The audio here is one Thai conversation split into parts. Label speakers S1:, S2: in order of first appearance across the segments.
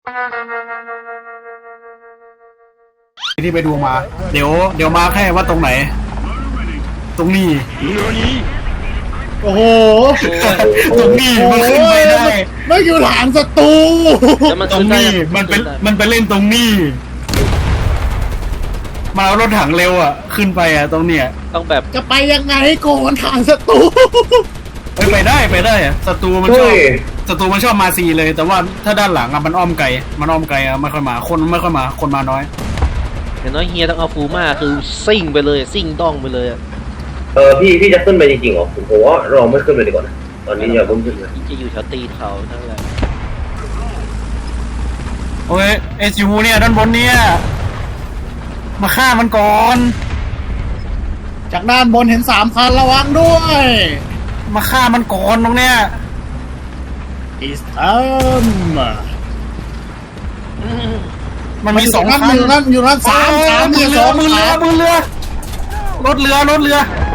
S1: ที่ไปดูมาเดี๋ยวมาแค่ว่าตรงไหนตรงนี้
S2: โอ้โห
S1: ตรงนี้มันขึ้นไปได้
S2: ไม่อยู่หลังศัตรู
S1: ตรงนี้มันไปเล่นตรงนี้มาเอารถถังเร็วอ่ะขึ้นไปอ่ะตรงเนี้ย
S3: ต้องแบบ
S2: จะไปยังไงก่อนทางศัตรู
S1: ไปได้อ่ะศัตรูมันชอบมาซีเลยแต่ว่าถ้าด้านหลังอ่ะมันอ้อมไกลอ่ะไม่ค่อยมาคนไม่ค่อยมาคนมาน้อย
S3: อย่างน้อยเฮียต้องเอาฟูมาคือซิ่งไปเลยซิ่งต้องไปเลย
S4: พี่จะขึ้นไปจริงๆเหรอผมว่าเราไม่ขึ้นเลยดีกว่านะตอนนี้อย่าเพิ่งขึ้นเลย
S3: จะอยู่แถวตีนเขานั่นแหละ
S1: โอ้ยSUเนี่ยด้านบนเนี่ยมาฆ่ามันก่อน
S2: จากด้านบนเห็น3 คันระวังด้วย
S1: มาฆ่ามันก่อนตรงเนี้ย
S2: It's time
S1: มันมี2 คัน
S2: อยู่นั่น3มี2
S1: มือเรือรถเรือ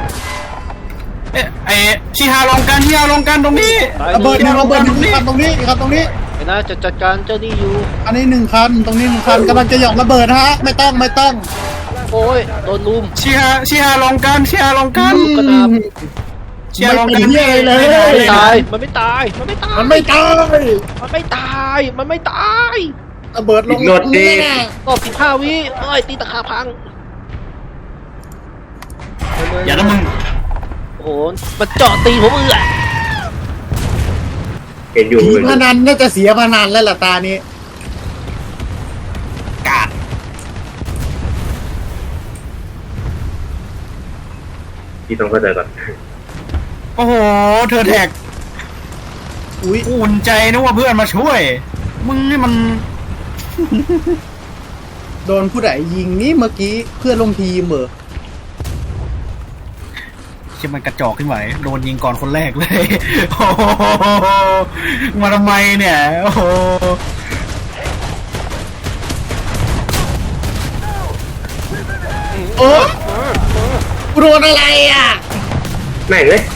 S1: ไอชิฮาลงกันตรงนี้
S2: ระเบิด1 คันตรงนี้ครับตรงนี้
S3: ไอ้น่าจะจัดการเจ้านี่อยู่
S2: อันนี้1 คันตรงนี้1 คันกำลังจะหย่อนระเบิดฮะไม่ต้อง
S3: โอ้ยโดนลุม
S1: ชิฮาลงกัน
S3: กระดาบ
S2: ไม่
S3: ตายมันไม่ตาย
S2: ระเบิดลง
S4: นี่
S3: ก็15 วิตีตะขาพัง
S1: อย่านะมึง
S3: โอ้โหมันเจาะตีผม
S4: เห็นอยู่
S2: พนันน่าจะเสียพนันแล้วล่ะตานี้
S1: กาด
S4: พี่ต้องเข้าใจก่อน
S1: โอ้โหเธอแท็กอุ่นใจนึกว่าเพื่อนมาช่วยมึงนี่มัน
S2: โดนผู้ใดยิงนี่เมื่อกี้เพื่อนลงทีมเหรอ
S1: ที่มันกระจอกขึ้นไหวโดนยิงก่อนคนแรกเลยโอ้มาทำไมเนี่ย
S2: โอ้โดนอะไรอ่ะ
S4: แม่งเลย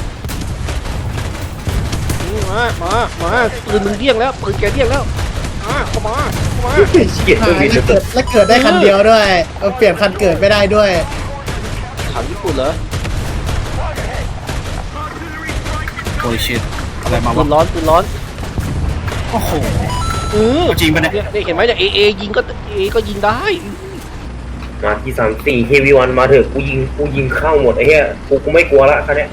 S3: มาปืนมึงเดี้ยงแล้วปืนแกเดี้ยงแล้วเข้ามา
S4: เกียดตัวบิน
S2: แล้วเกิดได้คันเดียวด้วยเปลี่ยนคันเกิดไม่ได้ด้วย
S3: ถังญี่ปุ่นเหรอ
S1: โอ้ยชิตอะไรมา
S3: ปืนร้อน
S1: โอ้โหจริงปะเนี่ย
S3: เห็นไหมจากเอยิงก็ยิงได้
S4: มาที่3-4 Heavy 1มาเถอะกูยิงเข้าหมดไอ้เหี้ยกูไม่กลัวละคันเนี้ย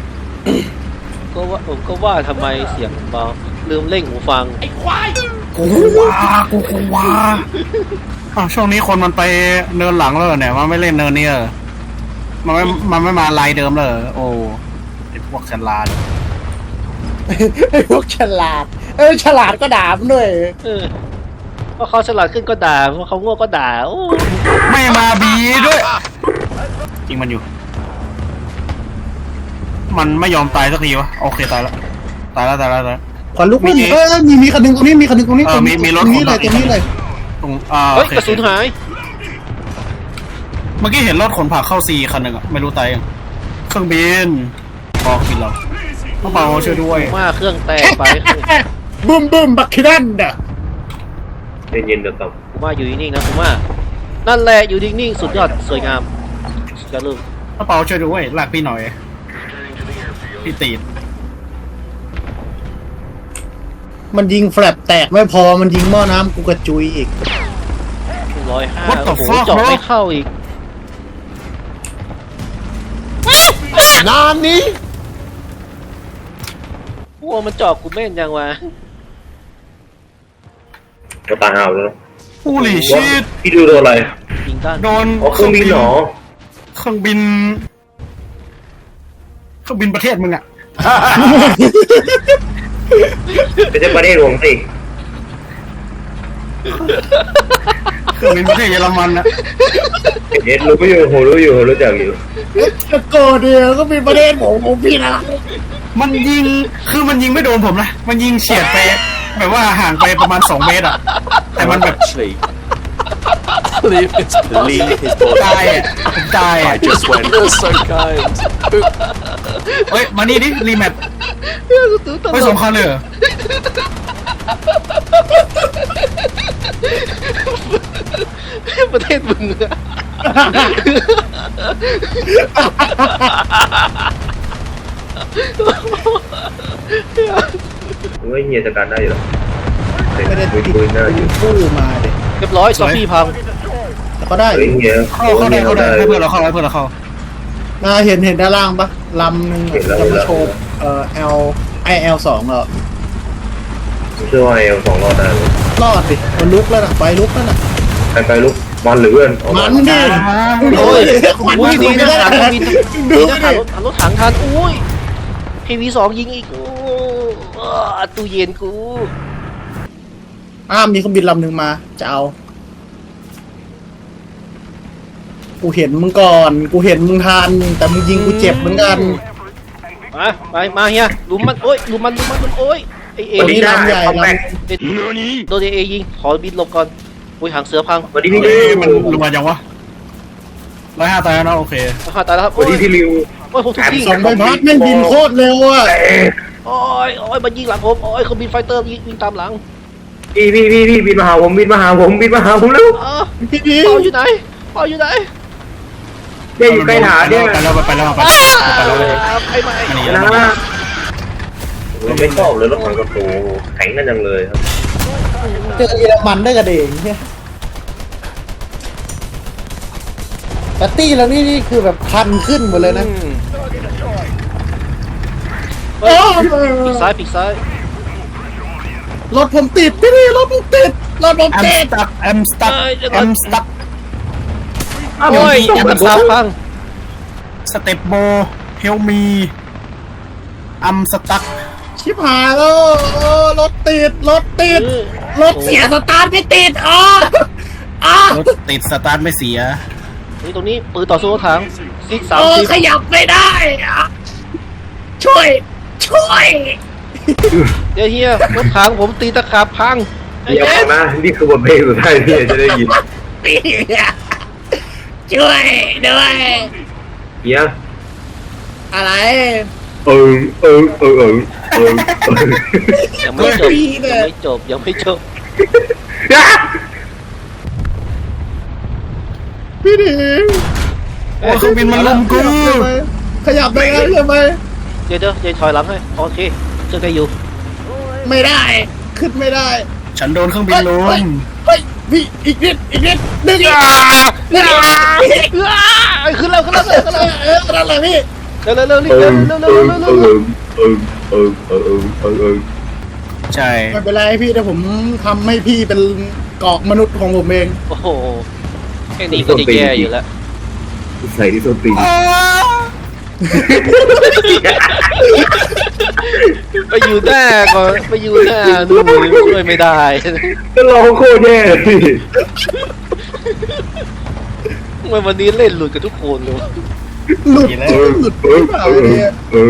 S3: ก็ว่าทำไมเสียงเบาลืมเร่งหูฟังไอ้ควาย
S1: กูว่าช่วงนี้คนมันไปเนินหลังแล้วเนี่ยมันไม่เล่นเนินนี้มันไม่มาไลน์เดิมเลยโอ้ไอ้พวกฉลาด
S2: ฉลาดก็ด่ามันด้วย
S3: เพราะเขาฉลาดขึ้นก็ด่าเพราะเขาโง่ก็ด่า
S1: ไม่มาบีด้วยจริงมันอยู่มันไม่ยอมตายสักทีวะโอเคตายแล้ว
S2: ขวัญลุกไม่มีคันนึงตรงนี้มีรถตรงนี้เลย
S1: ตรง
S3: กระสุนหาย
S1: เมื่อกี้เห็นรถขนผักเข้าซีคันหนึ่งไม่รู้ตายยังเครื่องบินพอกินเราต้องเป่าช่วยด้วย
S3: มาเครื่องแตกไป
S2: บึ้มบักคิดันเด้อ
S4: เย็นๆเดี๋ยวกลับ
S3: ผมว่าอยู่นิ่งๆนะผมว่านั่นแหละอยู่นิ่งๆสุดยอดสวยงามจะลืม
S1: ต้องเป่าช่วยด้วยลากพี่หน่อยพี่ตีด
S2: มันยิงแฟลปแตกไม่พอมันยิงหม้อน้ำกูกระจุยอีก
S3: 105โอ้โหเจาะไม่เข้าอีก
S2: นานนี้
S3: โอ้มันเจาะกูแม่นยังวะ
S4: ก็ตายห่าแล้ว
S1: ฮูลี่ชิต
S4: พี่ดูโดนอะไร
S3: ยิงด้าน
S1: โดน
S4: เครื่องบินหรอ
S1: เครื่องบินประเทศมึงอ่ะ
S4: ไม่ใช่ประเทศหลวงสิ
S1: เครื่องบินประเทศเยอรมันนะ
S4: รู้จักอยู่
S2: โกเดียวก็เป็นประเทศผมพี่นะ
S1: มันยิงไม่โดนผมนะมันยิงเฉียดไปแบบว่าห่างไปประมาณ2 เมตรอ่ะแต่มันแบบ
S5: leave his body
S1: ตาย
S5: I just went so kind
S1: เฮ้ยมานี่ดิรีแมทไม่สงครามเลยเหรอ
S3: ประเทศมึงอะ
S4: เฮ้ยเฮียจัดการได้อยู่หรอ
S2: ไม่ได้ติด
S4: คุยหน้าอยู่
S2: คู่มาเด็
S3: เรียบร้อยซอฟฟี่พัง
S2: แต่ก็ได้
S4: เฮ้ยเฮีย
S1: เข้าได้ให้เพื่อนเราเข้าให้เพื่อนเราเข้า
S2: เห็นด้านล่างปะลำหนึ่งจะมาโชว์L2 เหรอ
S4: เชื่อว่าเอล2รอดได้เลย
S2: รอดดิมันลุกแล้วนะไฟลุกแล้วนะ
S4: ไปลุกมันหรือเพื่อน
S2: มันดิ
S3: โอ้ย
S2: ควัน
S3: อุ้ยดี
S2: ไม่
S3: นะ
S2: ได้
S3: ถังบิน
S2: ดู
S3: ดี
S2: ดิ
S3: นะรถถังทันอุ้ย KV2 ยิงอีกโอ้ตู้เย็นกู
S2: มีเครื่องบินลำหนึ่งมาจะเอากูเห็นมึงก่อนกูเห็นมึงทันแต่มึงยิงกูเจ็บเหมือนกัน
S3: มาเฮียลุมมันโอ้ยลุมมันโอ้ยไอเอ
S2: วันนี้ลำใหญ่ล
S3: โดนเอยิงขอบินหลบก่อนอุ้ยหางเสือพัง
S4: วันนี้พี่
S1: เอ้ยมันรวยจังวะ105ตายแล้วนะโอเค
S3: ตายแล้วครับ
S4: วันนี้พี่ริว
S3: โอ้ยผมถูกยิง
S2: ำสองใบพัดแม่งบินโคตรเร็วอ่ะ
S3: โอ้ยมันยิงหลังผมโอ้ยเขาบินไฟเตอร์ยิงตามหลัง
S4: พี่บินมาหาผมแล้ว
S2: พี่ดี
S3: เปาอยู่ไหน
S4: เนี่ยอยู่ใกล้ฐานเนี่ย
S1: ไปแล้วไปแล้ว
S3: ใครมา
S1: มันหนี
S4: นะ
S1: แล้ว
S4: เราไม่ชอบเลยรถถังกระโตแข็งกันจังเลยครับ
S2: เจอเยอรมันได้กันเองเนี่ยแต่ตี้แล้วนี่คือแบบพันขึ้นหมดเลยนะ
S3: ปีกซ้าย
S2: รถผมติดพี่ดีรถผมติด
S1: I'm stuck
S3: โอ้ยยัดตาพัง
S1: สเต็ปโบเฮลมีอัมสตั๊ก
S2: ชิบหายแล้วรถติดรถเสียสตาร์ทไม่ติด
S1: รถติดสตาร์ทไม่เสีย
S3: นี่ตรงนี้ปืนต่อสู้รถถังซิก30
S2: ขยับไม่ได้ช่วย
S3: เดี๋ยวเฮียรถถังผมตีตะขาบพัง
S4: เดี๋ยวฟังนะนี่คือบทเพลงสุดท้ายที่จะได้ยิน
S2: ช่วยด้วย
S4: เฮีย
S2: อะไร
S3: ยังไม่จบ
S2: พี่ดี
S1: โอ้เครื่องบินมันลุมกู
S2: ขยับได้แล้วใช่ไหม
S3: เดี๋ยวถอยหลังให้โอเคเจอกันอยู่
S2: ไม่ได้ขึ้นไม่ได้
S1: ฉันโดนเครื่องบินลุม
S2: เฮ้ยพี่อีกนิดดึงอีก
S3: ขึ้นแล้ว
S2: นั่นแหละพี่
S3: เร็ว
S1: ใช่
S2: ไม่เป็นไรพี่เดี๋ยวผมทำให้พี่เป็นเกาะมนุษย์ของผมเอง
S3: โอ้โหแค่นี้ก็จะแย่อยู่แล้ว
S4: ใส่ที่ส้นตีน
S3: ไปอยู่หน้าก่อนไปอยู่หน้านู่นช่วยไม่ได้
S4: ก็ร้องโคตรแย่พี่
S3: ทำไมวันนี้เล่นหลุดกับทุกคนเลยวะ
S2: หลุดเนี่ย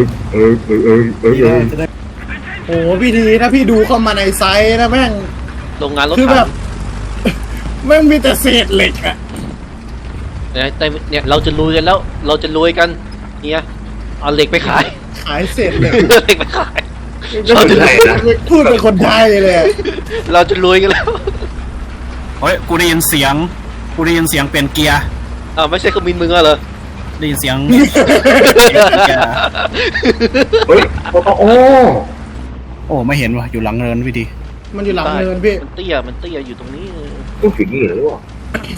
S2: โอ้พี่ดีถ้าพี่ดูเข้ามาในไซต์นะแม่ง
S3: โรงงานรถ
S2: คือแบ
S3: ถั
S2: บ
S3: ง
S2: แม่งมีแต่เศษเหล็กอะ
S3: เนี่ยเราจะรวยกันแล้วเราจะรวยกันเนี่ยเอาเหล็กไปขาย
S2: ขายเศษเหล็ก
S3: เหล็กไปขาย
S2: พูดเป็นคนไทยเลย
S3: เราจะรวยกันแล้ว
S1: เฮ้ยกูได้ยินเสียงเปลี่ยนเกียร์
S3: ไม่ใช่เครื่องบินมึงเหรอ
S1: ได้ยินเสียง
S4: เฮ้ย
S1: โอ้ไม่เห็นว่ะอยู่หลังเนินพี่ดี
S2: มันอยู่หลังเนินพี่
S3: มันเตี้ยอยู่ตรงนี้
S4: ต้องผิดนี่เหรอวะ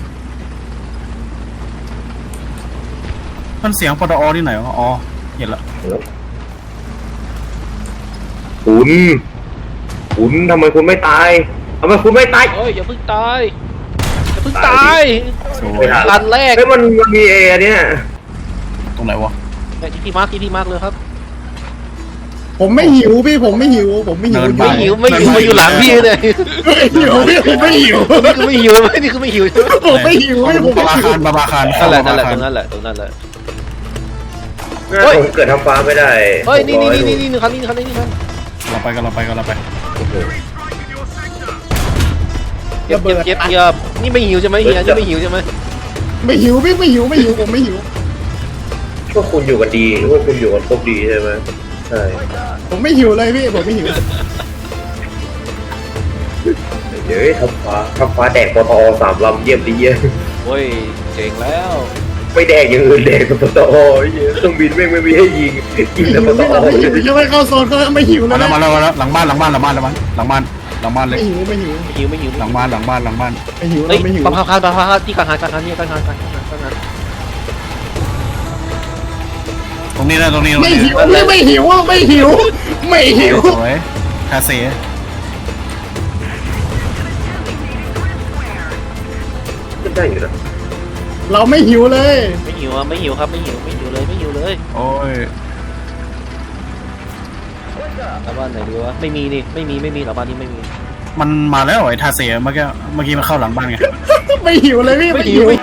S1: มันเสียงปตอที่ไหนวะอ๋อเห็นละ
S4: คุณทำไมคุณไม่ตาย
S3: เฮ้ยอย่าเพิ่งตาย
S1: สวย
S3: อันแรก
S4: เฮ้ยมันมีเอเนี่ย
S1: ตรงไหนวะ
S3: ที่พี่มาร์คเลยครับ
S2: ผมไม่หิวพี่ผมไม่หิว
S3: ไม่หิวมาอยู่หลังพี่เลย
S2: หิวพี่ผมไม่หิว
S3: นี่คือไม่หิวใช่ไหม
S2: ผมไม่หิวพี่ผม
S1: บาบาคาร
S3: นั่นแหละตรงนั้นแหละ
S4: ผมเกิดทำฟ้าไม่ได้
S3: เฮ้ยนี่คันนี้
S1: เราไป
S3: เย็บนี่ไม่หิวใช่ไหมเฮียนี่ไม่หิวใช่ไหม
S2: ไม่หิวพี่ไม่หิวผมไม่หิว
S4: พวกคุณอยู่กันดีพวกคุณอยู่กันครบดีใช่ไหมใช่
S2: ผมไม่หิวเลยพี่ผมไม่หิว
S4: เดี๋ยวทำฟ้าแดกปตอ3 ลำเยี่ยมดีเยี่ยม
S3: โอ้ยเจ๋งแล้ว
S4: ไม่แดกอย่างอื่นแดกกับปตอเครื่องบินไม่มีให้ยิงยิงแต่ปตอ
S2: ไม่หิวยังไม่เข้าโซนก็ไม่หิวเล
S1: มาย แล้วมาแล้วมาแล้วหลังบ้านเลย
S2: ไม่หิวไม่หิว
S3: ไม่หิว
S1: หลังบ้าน
S2: ไม่หิว
S3: เฮ้ย
S2: ไม่หิว
S3: ปังคันที่การหารนี่การหาร
S1: ตรงนี้นะ
S2: ไม่หิวไม่หิวไม่หิว
S1: สวยคาเซ่
S4: ก็ได้อยู่นะ
S2: เราไม่หิวเลย
S3: ไม่หิวครับไม่หิวเลย
S1: โอ้ย
S3: แล้วบ้านไหนดีวะไม่มีนี่ไม่มีหรอบ้านนี้ไม่มี
S1: มันมาแล้วไอ้ทาเซ่เมื่อกี้มันเข้าหลังบ้านไง
S2: ไม่หิวเลยพี่
S3: ไม่
S2: ไม่
S3: หิ
S2: หิ
S3: ว
S2: ว